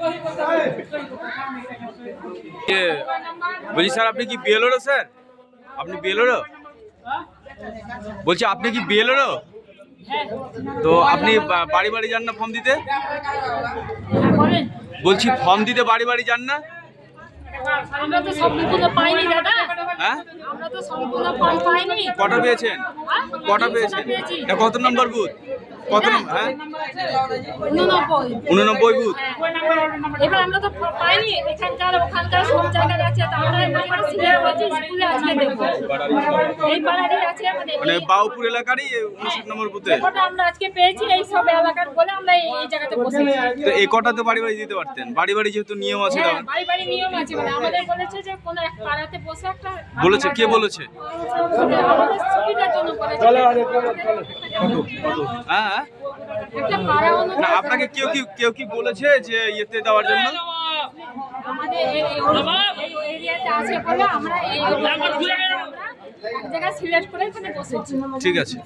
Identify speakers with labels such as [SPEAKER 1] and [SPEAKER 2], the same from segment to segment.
[SPEAKER 1] বলছি স্যার আপনি কি বিএলও স্যার? আপনি বিএলও? বলছি আপনি কি বিএলও? তো আপনি বাড়ি বাড়ি যান না ফর্ম দিতে? বলছি ফর্ম দিতে বাড়ি বাড়ি যান না?
[SPEAKER 2] আমরা তো সম্পূর্ণ পাইনি দাদা।
[SPEAKER 1] হ্যাঁ,
[SPEAKER 2] আমরা তো সম্পূর্ণ ফর্ম পাইনি।
[SPEAKER 1] কটা পেয়েছেন? কটা পেয়েছেন? এটা কত নম্বর বুথ? কত নম্বর? হ্যাঁ 89 বুথ।
[SPEAKER 2] এবার আমরা তো পাইনি, এখানকার ওখানকার সব জায়গায় আছে। আমরা সিলেক্ট করছি স্কুলে আজকে দেখবো। এই পাড়ারই আছে
[SPEAKER 1] মানে বাউপুর এলাকারই 59 নম্বর বুথে।
[SPEAKER 2] ওটা আমরা আজকে পেয়েছি এই সব এলাকার বলে আমরা এই জায়গাতে বসেছি।
[SPEAKER 1] তো এই কটাতে বাড়ি বাড়ি দিতে পারতেন, বাড়ি বাড়ি যেহেতু নিয়ম আছে।
[SPEAKER 2] হ্যাঁ, বাড়ি বাড়ি নিয়ম আছে, মানে আমাদের বলেছে যে কোন এক পাড়াতে বসে একটা
[SPEAKER 1] বলেছে, কে বলেছে?
[SPEAKER 2] আমাদের সুবিধার জন্য বলেছে।
[SPEAKER 1] হ্যাঁ,
[SPEAKER 2] একটা পাড়া
[SPEAKER 1] না আপনাকে কেউ কি বলেছে যে ইয়েতে দেওয়ার জন্য?
[SPEAKER 2] আমাদের এই এরিয়াতে আছে বলে আমরা এই এক জায়গায় সিলেক্ট করে এখানে বসেছি।
[SPEAKER 1] ঠিক আছে।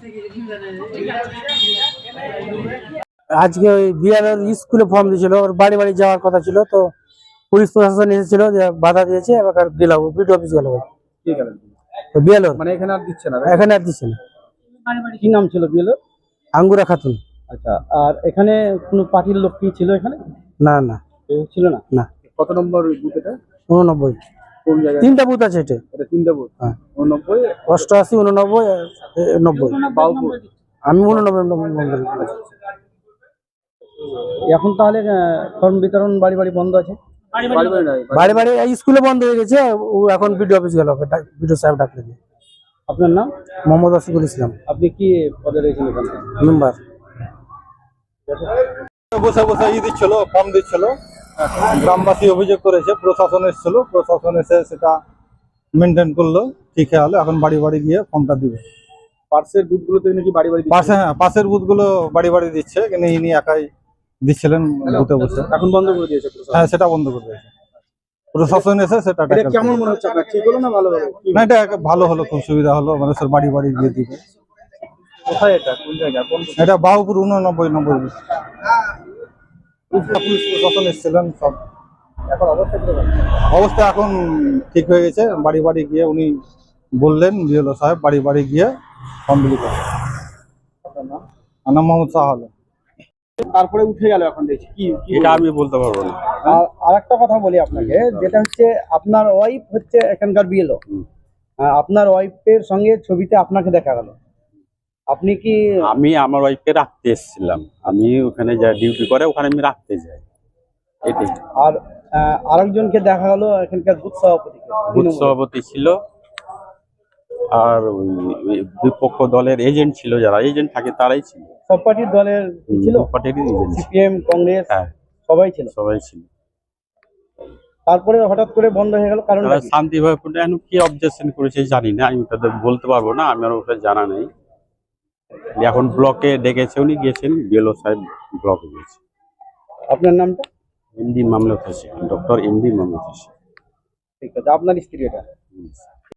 [SPEAKER 3] আজকে ওই বিয়ারের স্কুলে ফর্ম দিয়েছিল, ওর বাড়ি বাড়ি যাওয়ার কথা ছিল, তো পুলিশ প্রশাসন এসেছিল, যে বাধা দিয়েছে। এবার গেলাম বিডিও অফিস গেল। তো বিয়ালোর
[SPEAKER 4] মানে এখানে আর দিচ্ছে না?
[SPEAKER 3] এখানে আর দিচ্ছে না।
[SPEAKER 4] কি নাম ছিল বিএলওর?
[SPEAKER 3] আঙ্গুরা খাতুন।
[SPEAKER 4] আচ্ছা, আর এখানে কোনো পার্টির লোক কি ছিল এখানে?
[SPEAKER 3] না না
[SPEAKER 4] কেউ ছিল না?
[SPEAKER 3] না।
[SPEAKER 4] কত নম্বর বুথ এটা?
[SPEAKER 3] 89।
[SPEAKER 4] কোন জায়গায়?
[SPEAKER 3] 3টা বুথ আছে এটা।
[SPEAKER 4] এটা 3টা বুথ?
[SPEAKER 3] হ্যাঁ।
[SPEAKER 4] 89,
[SPEAKER 3] 88, 89, 90।
[SPEAKER 4] বাউপুর।
[SPEAKER 3] আমি 89 নম্বর।
[SPEAKER 4] এখন তাহলে ফর্ম বিতরণ বাড়ি বাড়ি বন্ধ আছে? বাড়ি বাড়ি নয়,
[SPEAKER 3] বাড়ি বাড়ি স্কুলে বন্ধ হয়ে গেছে। ও এখন বিডিও অফিস গেল, বিডিও সাহেব ডাকলে।
[SPEAKER 4] আপনার নাম?
[SPEAKER 3] মোহাম্মদ আসিফুল ইসলাম,
[SPEAKER 4] আপনি কি পদে রয়েছেন এখানে?
[SPEAKER 3] মেম্বার।
[SPEAKER 5] বসে বসে দিচ্ছিল, ফর্ম দিচ্ছিল। গ্রামবাসী অভিযোগ করেছে, প্রশাসন এসেছিল, প্রশাসন এসে সেটা মেনটেন করলো, ঠিক হলো। এখন বাড়ি বাড়ি গিয়ে ফর্মটা দিবে।
[SPEAKER 4] পাশের বুথগুলোতে নাকি বাড়ি বাড়ি
[SPEAKER 5] পাশে, হ্যাঁ পাশের বুথগুলো বাড়ি বাড়ি দিচ্ছে, কিন্তু ইনি একাই দিচ্ছিলেন বুথে বসে।
[SPEAKER 4] এখন বন্ধ করে দিয়েছে প্রশাসন?
[SPEAKER 5] হ্যাঁ, সেটা বন্ধ করে দিয়েছে প্রশাসন এসে। সেটা
[SPEAKER 4] এটা কেমন মনে হচ্ছে আপনার? ঠিক হলো না ভালো হলো?
[SPEAKER 5] না, এটা ভালো হলো, খুব সুবিধা হলো, মানুষের বাড়ি বাড়ি গিয়ে দিবে।
[SPEAKER 4] কোথায় এটা? কোন জায়গা? কোন?
[SPEAKER 5] এটা বাহুপুর 89 নম্বর বুথ। পুলিশ প্রশাসন এসেছিলেন সব।
[SPEAKER 4] এখন অবস্থা কিরকম?
[SPEAKER 5] অবস্থা এখন ঠিক হয়ে গেছে। বাড়ি বাড়ি গিয়ে উনি বললেন, বিএলও সাহেব বাড়ি বাড়ি গিয়ে ফর্ম বিলি করেন।
[SPEAKER 4] আপনার নাম?
[SPEAKER 5] আমার নাম মোহাম্মদ শাহ আলম।
[SPEAKER 4] তারপরে উঠে গেল এখন দেখছি কি
[SPEAKER 5] এটা আমি বলতে পারবো না।
[SPEAKER 4] আর একটা কথা বলি আপনাকে, যেটা হচ্ছে আপনার ওয়াইফ হচ্ছে এখানকার বিএলও। আপনার ওয়াইফের সঙ্গে ছবিতে আপনাকে দেখা গেল। আপনি কি?
[SPEAKER 6] আমি আমার ওয়াইফকে রাখতে এসেছিলাম, আমি ওখানে যা ডিউটি করে ওখানে আমি রাখতে যাই, এটাই।
[SPEAKER 4] আর আরেকজনকে দেখা গেল এখানকার বুথ সভাপতি।
[SPEAKER 6] বুথ সভাপতি ছিল, আর ওই বিপক্ষ দলের এজেন্ট ছিল, যারা এজেন্ট থাকে তারাই ছিল।
[SPEAKER 4] সব পার্টির দলের ছিল?
[SPEAKER 6] সব পার্টিরই এজেন্ট,
[SPEAKER 4] সিপিএম, কংগ্রেস,
[SPEAKER 6] হ্যাঁ
[SPEAKER 4] সবাই ছিল।
[SPEAKER 6] সবাই ছিল।
[SPEAKER 4] তারপরে হঠাৎ করে বন্ধ হয়ে গেল, কারণ
[SPEAKER 6] তারা শান্তিভাবে এখন কি অবজেকশন করেছে জানি না, আমি তাদের বলতে পারবো না, আমার ওটা জানা নেই। এখন ব্লকে ডেকেছে, উনি গিয়েছেন, বিএলও সাহেব ব্লকে গিয়েছে।
[SPEAKER 4] আপনার নামটা?
[SPEAKER 6] MD Mamlat Hossain, doctor MD Mamlat Hossain.
[SPEAKER 4] ঠিক আছে। আপনার স্ত্রী এটা?